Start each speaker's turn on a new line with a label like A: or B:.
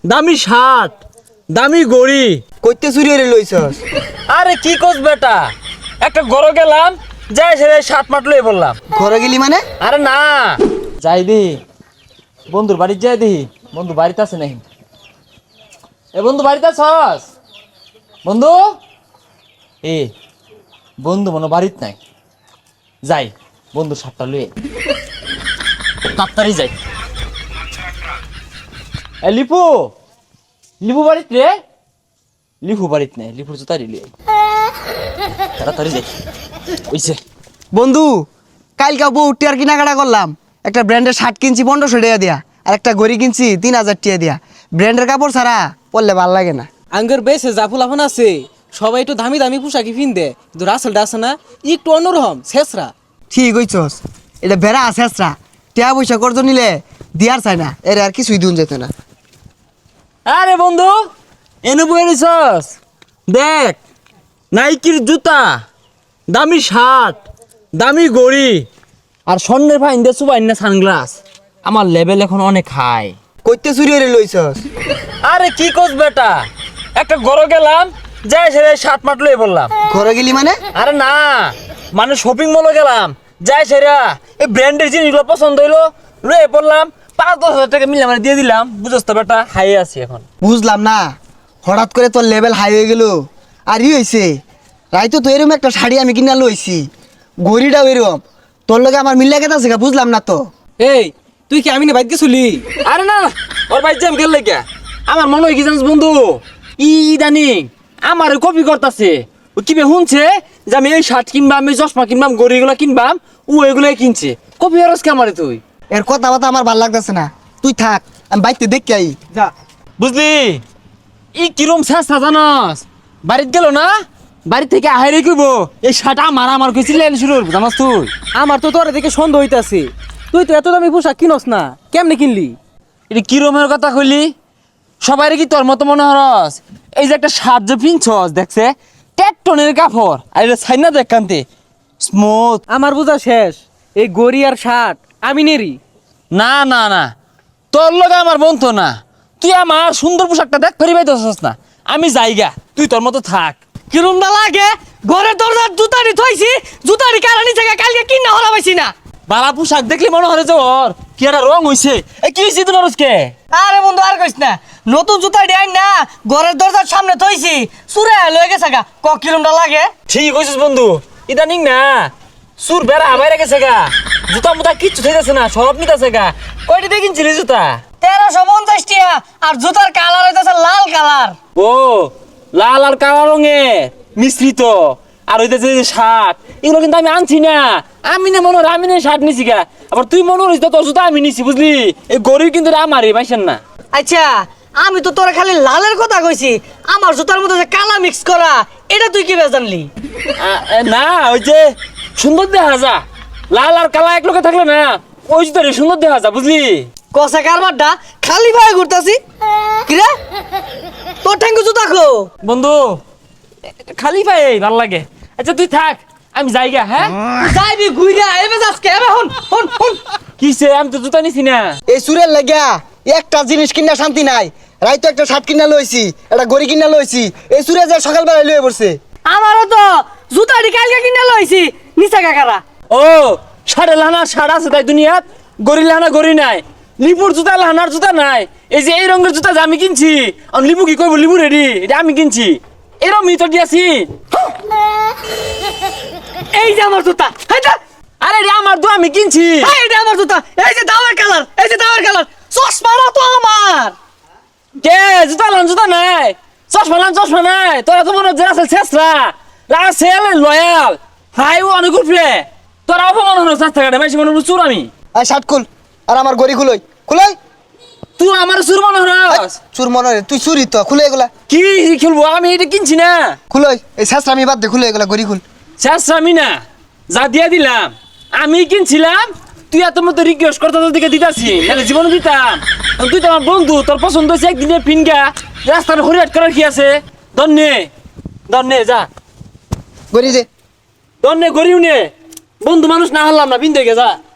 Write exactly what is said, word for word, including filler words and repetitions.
A: দামি শার্ট, দামি গড়ি।
B: কইতে চুরি হয়ে লইছস?
A: আরে কি কোস বেটা, একটা গরো গেলাম, যাই সে শার্ট মাট লই বললাম।
B: ঘরে গেলি মানে?
A: আরে না, যাই দি বন্ধুর বাড়ি, যাই দি বন্ধু বাড়িতে আছে নাকি। এ বন্ধু বাড়িতে আছস? বন্ধু এ বন্ধু মনে বাড়িত নাই, যাই বন্ধু শার্টটা লই তাড়াতাড়ি যাই। এ লিপু, লিপু বাড়িত রে? লিপু বাড়িত নেই, লিপুর জুতারি লই তাড়াতাড়ি যাই। ওইছে
B: বন্ধু, কালকে বউ টিয়ার কেনাকাটা করলাম, একটা ব্র্যান্ডের শার্ট কিনছি পনেরোশো টাকা দিয়া, আর একটা ঘড়ি কিনছি তিন হাজার টাকা দিয়া। ব্র্যান্ডের কাপড় ছাড়া পরলে ভাল লাগে না।
C: আঙ্গের বেশে জাফুল আফান আছে, সবাই একটু দামি দামি পোশাকি পিনদে, কিন্তু রাসেলটা আছে না একটু অন্যরকম শেষরা।
B: ঠিক হইছস, এটা বেড়া আছে আসরা, টিয়া পয়সা করতো নিলে দিয়ার চাই না, এর আর কিছুই দিন যেত না।
A: আরে বন্ধু এনে বই নিছস, দেখ নাইকির জুতা, দামি শার্ট, দামি গড়ি, আর স্বর্ণের ভাই ইন্দে সুবাই না সানগ্লাস। আমার লেভেল এখন অনেক হাই।
B: কইতে চুরি হয়ে লইছস?
A: আরে কি কোস বেটা, একটা গরো গেলাম, যাই সে শার্ট মাট লই বললাম।
B: ঘরে গেলি মানে?
A: আরে না, মানে শপিং মলে গেলাম, যাই সেরা এই ব্র্যান্ডের জিনিসগুলো পছন্দ হইলো, লয়ে পড়লাম, পাঁচ দশ হাজার টাকা মিলে মানে দিয়ে দিলাম। বুঝছ তো বেটা, হাই আছি এখন।
B: বুঝলাম না, হঠাৎ করে তোর লেভেল হাই হয়ে গেল। আর ই হয়েছে, রাইতো তো এরকম একটা শাড়ি আমি কিনা লইছি, ঘড়িটাও এরকম, তোর লগে আমার মিল্লা কেতা আছে বুঝলাম না তো।
C: এই তুই কি আমি না বাইক গেছিলি?
A: আরে না, ওর ভাই জ্যাম গেল লেগে আমার মনে হয় কি জানিস বন্ধু, ই ইদানিং আমার কপি করতেছে। ও কি বে শুনছে যে আমি এই শার্ট কিনবাম, আমি চশমা কিনবাম, গড়িগুলো কিনবাম, ও এগুলাই কিনছে। কপি হরস কে আমারে তুই?
B: এর কথা বাতা আমার ভাল লাগতেছে না, তুই থাক, আমি বাইকতে দেখি আই।
C: যা
A: বুঝলি ই কিরম চেষ্টা জানস, বাড়িতে গেল না, বাড়ি থেকে আহারে কইব এই শার্ট আমার আমার কইছিলেন শুরু করবো জানাস তুই।
C: আমার তো তোর দেখে সন্দেহ হইতাছে, তুই তো এত দামি পোশাক কিনস না, কেমনে কিনলি?
A: এটা কিরমের কথা কইলি? সবাই কি তোর মতো মনে হরস? এই যে একটা শার্ট যে পিনছস দেখছে টেকটনের কাপড়, আর এটা ছাইনা দেখ কান্তে স্মুথ।
C: আমার বোঝা শেষ, এই গড়ি আর শার্ট আমি নেরি।
A: না না না, তোর লগে আমার বন্ধু না, তুই আমার সুন্দর পোশাকটা দেখ ফেরি পাইতেছস না। আমি যাইগা, তুই তোর মতো থাক।
C: কিরম না লাগে, ঘরের দরজার জুতারি থইছি, জুতারি কারানি থেকে কালকে কিনা হলা পাইছি না।
A: বালা পোশাক দেখলি মনে হয় যে ওর কি একটা রং হইছে। এ কি হইছে তোর আজকে?
C: আরে বন্ধু আর কইস না, নতুন জুতা ডিয়াই না ঘরের দরজার সামনে থইছি, চুরে লয়ে গেছে গা, ক কিরমটা লাগে।
A: ঠিক কইছিস বন্ধু, ইদানিং না সুর বেড়া বাইরে গেছে গা, জুতা মুতা কিচ্ছু থাকতেছে না, সব নিতেছে গা। কয়টি দিয়ে কিনছিলি জুতা?
C: তেরোশো পঞ্চাশ টিয়া, আর জুতার কালার হইতেছে লাল কালার।
A: ও লাল আর কালো রঙের মিশ্রিত, আর হইতেছে যে শার্ট, এগুলো কিন্তু আমি আনছি না। আমি না মনে হয় আমি না শার্ট নিছি গা, আবার তুই মনে হইস তোর জুতা আমি নিছি, বুঝলি? এই গরিব কিন্তু আমারই পাইছেন না।
C: আচ্ছা আমি তো তোরা খালি লালের কথা কইছি, আমার জুতার মধ্যে যে কালা মিক্স করা, এটা তুই কি জানলি?
A: আ- এ, না ওই যে সুন্দর দেখা যা, লাল আর কালা এক লোকে থাকলে না ওই জুতারে সুন্দর দেখা যা, বুঝলি?
C: কষা কারবারটা খালি ভাবে ঘুরতাছি কিরে, তোর ঠ্যাঙ্গু জুতা খো।
A: বন্ধু এ, খালি পাই ভাল লাগে। আচ্ছা তুই থাক, আমি যাইগা। হ্যাঁ
C: যাইবি ঘুইরা এবে আজকে এবে হন হন হন।
A: কিসে, আমি তো জুতা নিছি না।
B: এই চুরের লাগিয়া একটা জিনিস কিনা শান্তি নাই, রাইতো একটা শার্ট কিনা লইছি, একটা ঘড়ি কিনা লইছি, এই চুরে যে সকালবেলায় লয়ে পড়ছে।
C: আমারও তো জুতাটি কালকে কিনে লইছি, নিচা কাকারা।
A: ও সাড়ে লানা সাড়া আছে তাই দুনিয়াত, গড়ি লানা গড়ি নাই, লিপুর জুতা লানার জুতা নাই। এই যে এই রঙের জুতা যে আমি কিনছি, আর লিপু কি কইব লিপু রেডি, এটা আমি কিনছি, এরম মিতর দিয়াছি।
C: এই যে আমার জুতা, এই যে
A: আরে রে আমার তো আমি কিনছি।
C: এই যে আমার জুতা, এই যে দামের কালার, এই যে দামের কালার, চশমাটা তো আমার।
A: কে জুতা লান জুতা নাই, চশমা লান চশমা নাই, তোরা তো মনে হচ্ছে রাসেল শেষরা, রাসেল লয়াল হাই ও অনেক উঠবে, তোরা অপমান হলো চার টাকা মাইছি মনে চুর আমি।
B: আর শার্ট খুল, আর আমার ঘড়ি খুলই খুলই।
A: তুই আমার চুর মনে হস?
B: চুর মনে হয়, তুই চুরি তো, খুলে এগুলা
A: কি খেলবো, আমি এটা কিনছি না।
B: খুলই, এই শেষ আমি বাদ দে, খুলে এগুলা ঘড়ি খুল।
A: শেষ আমি না, যা দিয়া দিলাম আমি কিনছিলাম, তুই এত মতো রিকোয়েস্ট করতে তোর দিকে দিতাছি, নাহলে জীবনে দিতাম। তুই তো আমার বন্ধু, তোর পছন্দ হয়েছে একদিনে ফিনগা রাস্তার হরিয়াট করার কি আছে? দন্নে দন্নে যা,
B: ঘড়ি দে।
A: দন্নে গরিব নে, বন্ধু মানুষ না হলাম না, বিন্দু গে যা।